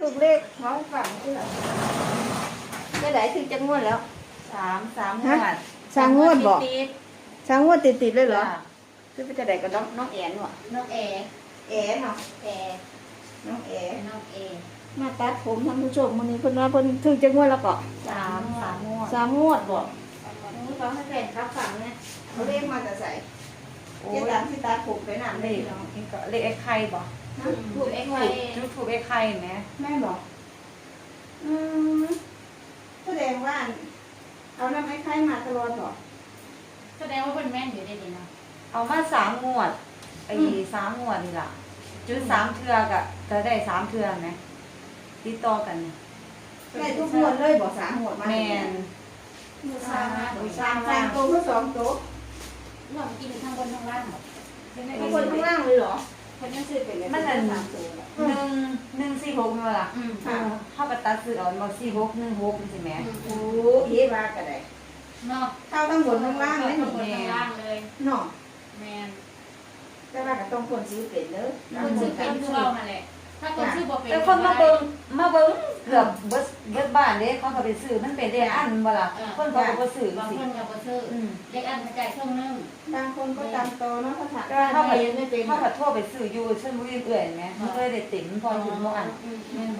ถูกเลขเขาฝังที่ไหนจะไหนถึงจะงวดแล้วสามงวดสามงวดบอกติดสามงวดติดเลยเหรอจ้ะคือไปจะไหนกับน้องแอนวะน้องเอแอนเนาะเอน้องแอน้องเอมาตัดผมท่านผู้ชมวันนี้เพิ่นว่าเพิ่นถึงจะงวดแล้วก็สามงวดสามงวดบอกนี่เขาให้แฟนครับฝังเนี่ยเขาเลขมาจะใส่โอ้เจ๊ยตามที่ตาผมไปนั่นเลเลยขเนาะนี่ก็เลขไอ้ไข่บ่ถูกเอ็กไว้ถูกไอ้ไข่ไหมแม่บอกมแสดงว่าเอาน้ำไอ้ไข่มาตลอดหรอแสดงว่าเป็นแม่นอยู่ได้ดีนะเอามา3 งวดไอ้3 งวดนี่ล่ะจุด3 เทื่อก็ได้3 เทื่อไหมติดต่อกันเนี่ยได้ทุกงวดเลยบอกสามงวดมาแม่นมือซ้ายนะสามสามตัวเพื่อสองตัวเรากินทั้งบนทั้งล่างหมดข้างบนข้างล่างเลยเหรอคนยังซื้อเป็นเลยมันสาอันมตัว 146นี่ล่ะค่ะเฮาก็ตัดซื้อเอาบ่4616นี่สิแหมโอ้เฮ็ดว่าก็ได้เนาะเข้าทั้งบนทั้งล่างเลยทั้งบนทั้งล่างเลยเนาะแมนแต่ว่าก็ต้องคนซื้อเป็นเด้อคนซื้อเป็นคือเรานั่นแหละถ้าคนซื้อบ่เป็นแต่คนมาเบิ่งเกือบเบิดบ้านเด้เขาก็ไปซื้อมันเป็นเลขอันบ่ล่ะคนเขาก็บ่ซื้อบางสิคนก็บ่ซื้อเด็กอันกระจายเครื่องนึงบางคนก็ตามโตเนาะเขาถามก็เขาก็ไม่เป็นเขาก็โทรไปซื้ออยู่ชลบุรีเอื่อยแหมมันก็เลยได้ติ่มพอถึงบ่อันแม่นบ่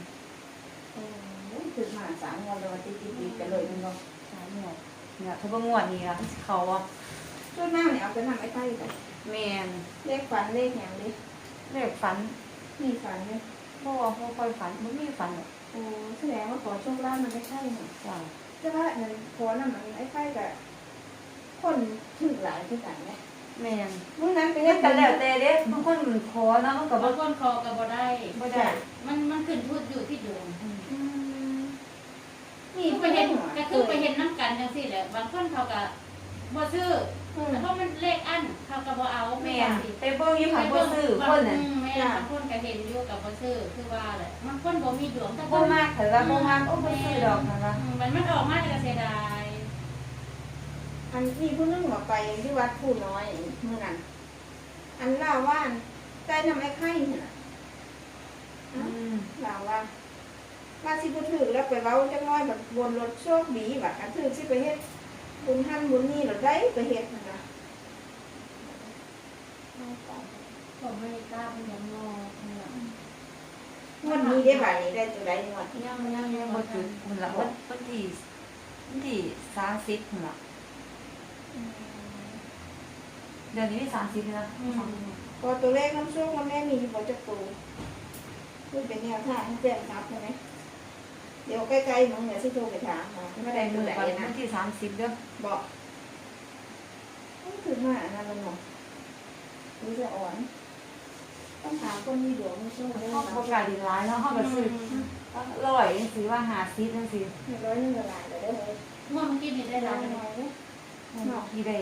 คือมาสามงวดเลยตีกันเลยมันก็ 3 งวดเนี่ยถ้าบ่งวดนี้ล่ะเขาอ่ะช่วงหน้าเนี่ยเอาไปนำไอ้ไข่ไปแม่นเลขฝันเลขอย่างนี้เลขฝันมีฝันเนี่ยบ่ค่อยฝันบ่มีฝันหรอกโอ้แสดงว่าขอโชคลาภมันไม่ใช่หรอจ้ะแต่ว่าเงินขอนั่นมันไอ้ไข่กับคนถึงหลายที่กันเนี่ยแม่นเมื่อนั้นไปเฮ็เฮ็ดดกักัน นแล้แล้ว วแต่เด้บางคนขอเนาะมันก็บ่บางคนคอก็บ่ได้บ่ได้มันขึ้นทุดอยู่ที่ดวงนี่คือไปเห็นก็คือไปเห็นน้ำกันจังซี่แหละบางคนเขาก็บ่ซื้อเพราะมันเลขอันเขาก็บ่เอาแม่นไปเบิ่งอยู่ค่ะบ่ซื้อคนน่ะแม่บางคนก็เห็นอยู่กับบ่ซื้อคือว่าแหละบางคนบ่มีดวงแต่คบ่นมากแต่ว่าบ่มากโอ้บ่ซื้อดอกนั่นล่ะมันออกมาจะเสียดายอันที่ผู้นึงบอกไปที่วัดผู้น้อยเมื่อนั้นอันเล่าว่าใจทำไอ้ไข่เนี่ยอืมเล่าว่าว่าสิบุถือแล้วไปเว้าจังน้อยแบบบนรถโชคดีแบบอันถือสิไปเฮ็ดบุญท่านบุญนี่หรือได้ไปเฮ็ดนะผมไม่กล้าเป็นยังงอวันนี้ได้บ่ายนี้ได้ตัวใดงวดยังบ่จุดพุ่นล่ะวันที่30พุ่นล่ะเดือนนี้มี30แล้วก็ตัวเลขน้ำโชคน้ำแม่มีอยู่บ่จักตัวคือเป็นแนวทางให้แจ้งครับใช่ไหมเดี๋ยวใกล้ๆมึงเนี่ยสิโทรไปถามมาไม่ไม่ได้ได้ตัมืวอใดก่อนนะวันที่30เด้อบอกคือมาอันนั้นมันบอกรู้จะอ่อนต้องถามคนมีดวงมีโชคได้เขาไหมประกาศดีหลายเนาะเฮาก็ซื้อร้อยจังซี่ว่า50จังซี่ร้อยนึงละลายเลยได้เลยเมื่อกี้นี่ได้ได้ร้าร้าน ยหนึ่งน้อยเลยที่ได้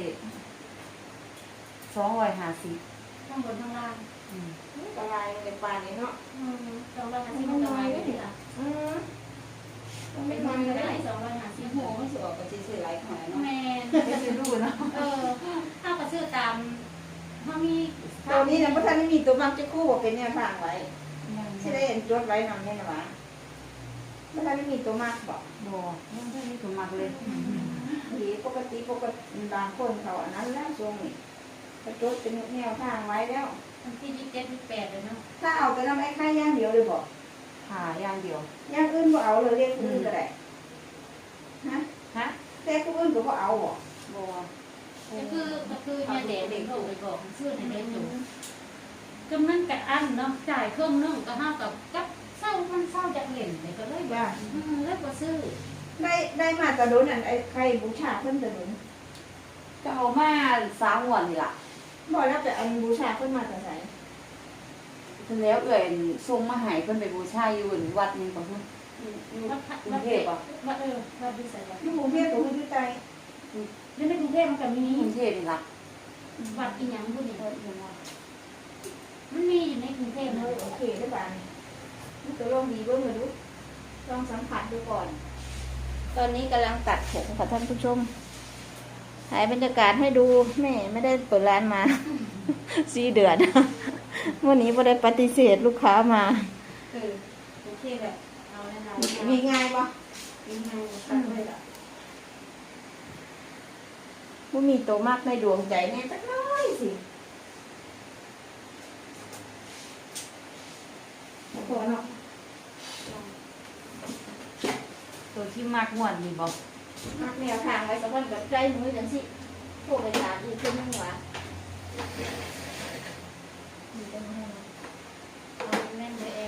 250 ข้างบนข้างล่างอืมละลายในปลานี่เนาะ 250มันจะมาได้ดีล่ะต้องเป็ไม่นทมันก็ได้ำ 250 โหไม่สวยกว่าซื้อหลายขนาดเนาะแม่ไม่ซื้อรู้เนาะถ้าก็ซื้อตามถ้ามีตอนนี้นะพระท่านไม่มีตัวมักจะคู่บอกเป็นแนวทางไว้ที่ได้เห็นจดไว้นำแน่นอนพระท่านไม่มีตัวมักบอกบ่ยังไม่มีตัวมักเลยดีปกติบางคนเขาอันนั้นแล้วช่วงนี้เขาจดเป็นแนวทางไว้แล้ววันที่27 28เลยเนาะถ้าเอาแต่น้ำไอ้ไข่ย่างเดียวเลยบอกหาอย่างเดียวย่างอื่นก็เอาเลยเรียกอื่นก็ได้ฮะฮะแต่ผู้อื่นก็บ่เอาบอกบ่ก็คือเนี่ยเด็กเด็กโทรไปบอกชื่อในเด็กอยู่กำนันกับอันเนาะจ่ายเครื่องนึงก็เท่ากับเศร้ามันเศร้าจากเหล่นเลยก็เลยแบบเลิกก็ซื้อได้มาตะโดนอันไอ้ไข่บูชาเพิ่นตะโดนก็เอามา3งวดนี่ล่ะบอกแล้วแต่อันบูชาเพิ่นมาแต่ไหนเพิ่นแล้วเอื้อยส่งมาให้เพิ่นไปบูชาอยู่วัดนึงบ่ฮู้วัดดิสัยที่กรุงเทพกับที่ใต้แล้วในกรุงเทพมันก็มีกรุงเทพนี่ล่ะวัดอีหยังพวกนี้มันมีอยู่ในกรุงเทพนะโอเคได้ป่ะนี่ตัวลองดีเบิ่งมาดูลองสัมผัสดูก่อน ตอนนี้กำลังตัดผมค่ะท่านผู้ชมถ่ายบรรยากาศให้ดูแม่ไม่ได้เปิดร้านมา 4 เดือนวันนี้บ่ได้ปฏิเสธลูกค้ามาคือเคแบบเอาแน่นอนมีง่ายปะง่ายๆตัดเลยล่ะว่ามีตัวมากในดวงใจแน่จักน้อยสิพอเนาะตัวที่มากงวดนี่บอกมักแนวทางไว้สักวันกับใจมือจังสิโทรไปถามอีกคนนึงว่ามีจังไงเอาแม่นเลยแอะ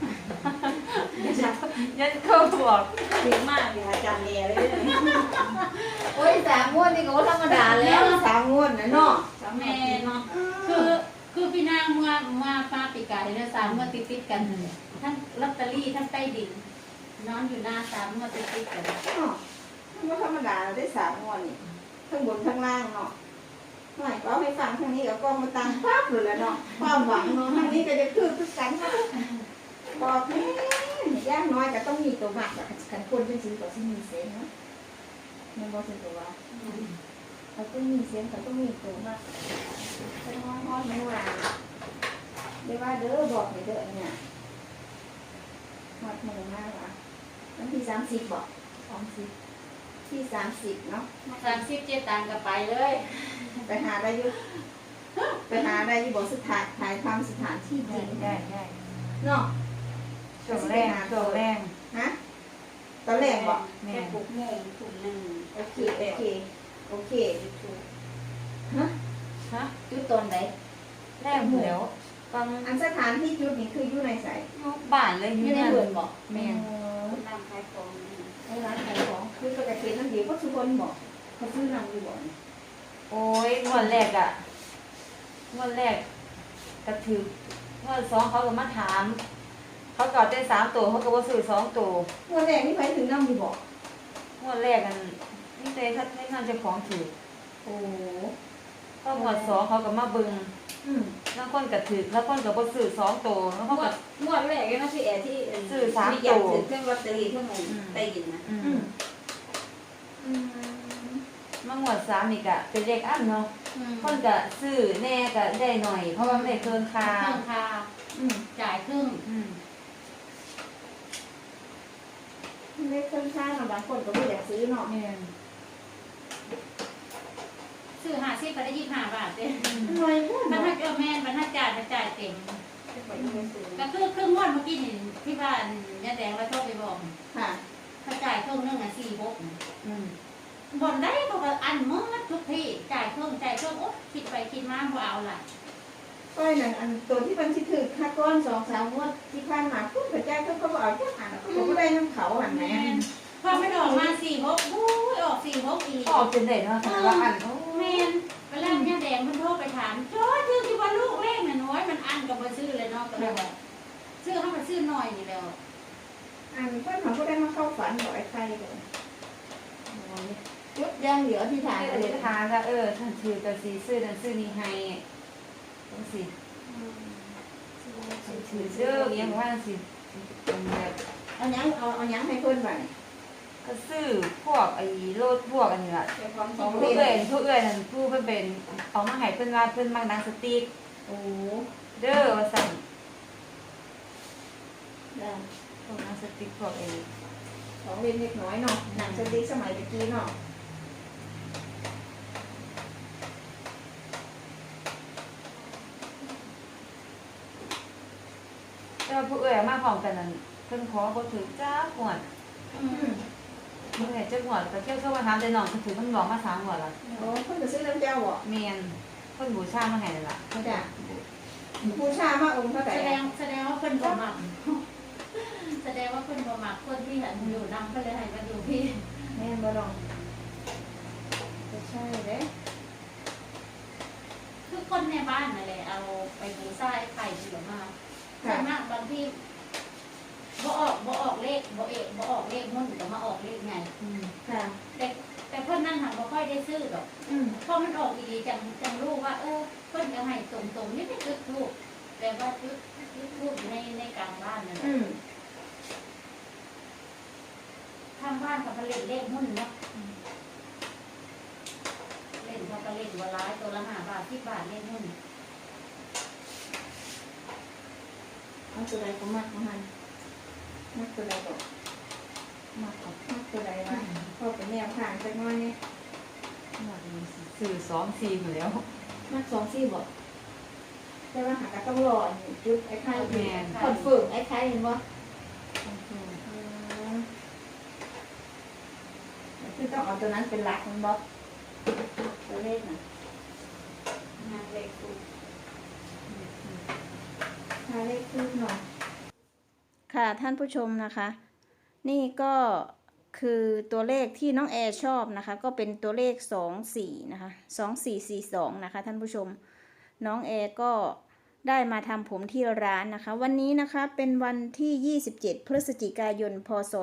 ยันเข้าบอกดีมากเลยอาจารย์เอเลยโอ้ย3 งวดนี่ก็ว่าธรรมดาแล้ว3 งวดนะเนาะแม่เนาะคือพี่นางมาปาปีกายเนี่ย3 งวดติดๆกันเลยทั้งลอตเตอรี่ทั้งใต้ดิน นอนอยู่หน้า3 งวดติดๆกันเนาะมันก็ธรรมดาได้3 งวดนี่ทั้งบนทั้งล่างเนาะหน่อยก็เอาให้ฟังทางนี้ก็กองมาตังปั๊บเลยแหละเนาะความหวังเนาะทางนี้ก็จะคือกันเนาะบอกแม่ย่างน้อยก็ต้องมีตัวหมักแบบกันคนเป็นซื้อก็ต้องมีเสียงเนาะมันบอกเป็นตัวว่าเขาต้องมีเสียงเขาต้องมีตัวหมักเขาต้องฮ้อนไม่ว่าเดี๋ยวว่าเด้อบอกให้เด้อเนี่ยหมดหมู่มากว่ะวันที่30บอกที่30เนาะ 37ตังค์ก็ไปเลยไปหาได้อยู่บอกสถานถ่ายทำสถานที่จริงได้เนาะช่วงแรกฮะตอนแรกบอกแม่แม่ปลูกโมงถุงหนึ่งโอเคฮะฮะจุดตอนไหนแรกหมดแล้วฟังอันสถานที่จุดนี้คืออยู่ในใสบ้านเลยออยู่ ยู่ในนั่นเมืองบอกแม่คนนำขายของนี่ในร้านขายของคือปกติน้ำเดียวก็ทุกคนบอกเขาซื้อนำอยู่บ่อยโอ้ยงวดแรกกระถืองวด2เขาก็มาถาม เขาก็ได้3 ตัวเขาก็บ่ซื้อ2 ตัวเมื่อแรกนี่ไปถึงนำอยู่บอกงวดแรกกันนี่เต้ถ้าให้นั่นเจ้าของถือโอ้ก็งวด2เขาก็มาเบิ่งอืมบางคนก็ถือแล้วคนก็บ่ซื้อ2 ตัวแล้วเขาก็งวดแรกก็ที่แอร์ที่ซื้อ3 มีตัอยากวถือเครื่องลอตเตอรี่เครื่องใต้ดินนะอืมมางวด3นี่ก็เป็นเลขอันเนาะคนก็ซื้อแน่ก็ได้หน่อย เพราะว่ามันได้เกินค่าเครื่องคาอืมจ่ายครึ่งเลขเครื่องข้างบางคนก็ไม่อยากซื้อเนาะแม่นซื้อ50ก็ได้25 บาทเด้หน่อยพูดบรรเนาะทัดแม่นบรรทัดจ่ายเต็ม ก็คือครึ่งงวดเมื่อกี้นี่ที่บ้านยาแดงเราโทรไปบอกค่ะเขาจ่ายเครื่องนึงอ่ะ46 อืมบ่นได้เขาก็อันมืดทุกที่จ่ายเครื่องโอ๊ยคิดไปคิดมาบ่เอาล่ะก้อยนั่นอันตัวที่มันสิถือค่าก้อน2-3 งวดที่ผ่านมาพูดกระจายเขาก็บอกเอาแค่อ่านเขาก็ได้น้ำเขาหันแหมแม่นพอไม่ออกมา46อู้ยออก46อีกออกจนได้เนาะแต่ว่าอันโอ้แม่นเวลายาแดงมันโทรไปถามโจ้ชื่อที่ว่าลูกเลขน่ะน้อยมันอันก็บ่ซื้อเลยเนาะก็เลยว่าซื้อให้มันซื้อน้อยนี่แล้วอันเพื่อนเขาก็ได้มาเข้าฝันบอกไอ้ใครเลยยุดย่างเหลือที่ฐานอเลธิยษฐานว่าท่านถือแต่สิซื้อนั่นซื้อนี่ให้จังซี่ถือเด้ออยังว่าจังซี่เป็นแบบเอายังให้เพื่อนไปก็ซื้อพวกไอ้รถพวกอันนี้ล่ะเป็นความขผู้องเอื้เล่อยนผู้เอื้อยนั่นผู้เพิ่นเป็นเอามาให้เพิ่นว่าเพิ่นมักหนังสติ๊กโอ้เด้อว่าซั่นได้พวกหนังสติ๊กพวกไอ้ของเล่นเล็กน้อยเนาะหนังสติ๊กสมัยตะกี้เนาะแต่ว่าผู้เอื้อยเอามาพร้อมกันนั่นเพิ่นขอบ่ถือจ้าหวด เมื่อไหร่จะหวดแต่เที่ยวเข้ามาถามแต่น้องเพิ่นถือเพิ่นบอกมา3หวดแล้วโอ้เพื่อนจะซื้อน้ำเจ้าบ่แม่นเพิ่นบูชามาให้นั่นล่ะเขาจะผู้ชามากองค์เท่าไหร่แสดงว่าเพิ่นบ่มักแสดงว่าเพิ่นบ่มักคนที่หันอยู่นำเพิ่นเลยให้มาอยู่พี่แม่บ่ลองจะใช่เด้คือคนในบ้านนั่นแหละเอาไปบูชาไอ้ไข่เสือมาส่วนมากบางที่บ่ออกเลขบ่ออกเลขมุ่นก็มาออกเลขไงค่ะแต่เพิ่นนั่นหันบ่ค่อยได้ซื้อดอกพอมันออกดีๆจังรู้ว่าเพิ่นจะให้ตรงๆนี่ไม่จุดทูบแต่ว่าจุดทูบในกลางบ้านนั่นแหละทางบ้านกับเล่นเลขมุ่นเนาะเล่นเขาก็เล่นบัวร้ายตัวละ5 บาท10 บาทเลขมุ่นเอาตัวใดก็มากมาให้มักตัวใดบอกมากกว่ามักตัวใดวะพอเป็นแนวทางจักหน้อยนี่มากเลยสื่อ2-4อยู่แล้วมัก2-4บอกแต่ว่าหาก็ต้องรออยู่จุดไอ้ไข่แม่นคอนเฟิร์มไอ้ไข่เห็นบ่คือต้องเอาตัวนั้นเป็นหลักมันบอกตัวเลขน่ะหาเลขคู่หาเลขคู่หน่อยค่ะท่านผู้ชมนะคะ นี่ก็คือตัวเลขที่น้องแอร์ชอบนะคะ ก็เป็นตัวเลข24นะคะ2442นะคะท่านผู้ชมน้องแอร์ก็ได้มาทำผมที่ร้านนะคะ วันนี้นะคะเป็นวันที่27พฤศจิกายนพศ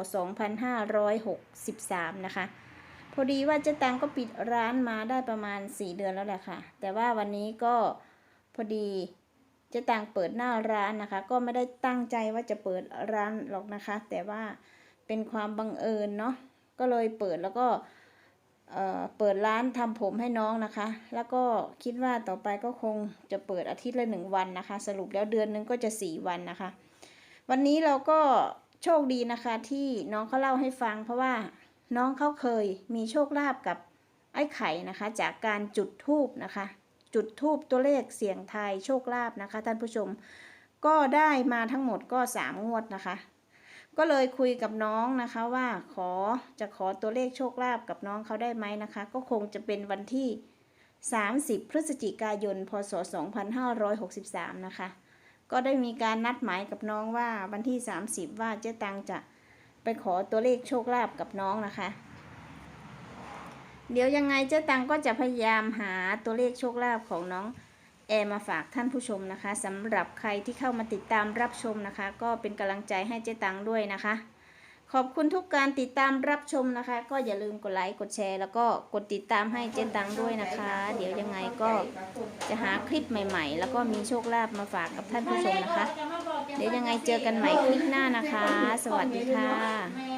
2563นะคะพอดีว่าเจ๊ตังก็ปิดร้านมาได้ประมาณ4เดือนแล้วแหละค่ะแต่ว่าวันนี้ก็พอดีเจ๊ตังเปิดหน้าร้านนะคะก็ไม่ได้ตั้งใจว่าจะเปิดร้านหรอกนะคะแต่ว่าเป็นความบังเอิญเนาะก็เลยเปิดแล้วก็เปิดร้านทำผมให้น้องนะคะแล้วก็คิดว่าต่อไปก็คงจะเปิดอาทิตย์ละ1วันนะคะสรุปแล้วเดือนนึงก็จะ4วันนะคะวันนี้เราก็โชคดีนะคะที่น้องเขาเล่าให้ฟังเพราะว่าน้องเขาเคยมีโชคลาภกับไอ้ไข่นะคะจากการจุดธูปนะคะจุดธูปตัวเลขเสี่ยงทายโชคลาภนะคะท่านผู้ชมก็ได้มาทั้งหมดก็3งวดนะคะก็เลยคุยกับน้องนะคะว่าจะขอตัวเลขโชคลาภกับน้องเขาได้ไหมนะคะก็คงจะเป็นวันที่30พฤศจิกายนพศ2563นะคะก็ได้มีการนัดหมายกับน้องว่าวันที่30ว่าเจ๊ตังจะไปขอตัวเลขโชคลาภกับน้องนะคะเดี๋ยวยังไงเจ๊ตังก็จะพยายามหาตัวเลขโชคลาภของน้องแอร์มาฝากท่านผู้ชมนะคะสำหรับใครที่เข้ามาติดตามรับชมนะคะก็เป็นกำลังใจให้เจ๊ตังด้วยนะคะขอบคุณทุกการติดตามรับชมนะคะก็อย่าลืมกดไลค์กดแชร์แล้วก็กดติดตามให้เจ๊ตังด้วยนะคะเดี๋ยวยังไงก็จะหาคลิปใหม่ๆแล้วก็มีโชคลาภมาฝากกับท่านผู้ชมนะคะเดี๋ยวยังไงเจอกันใหม่คลิปหน้านะคะสวัสดีค่ะแม่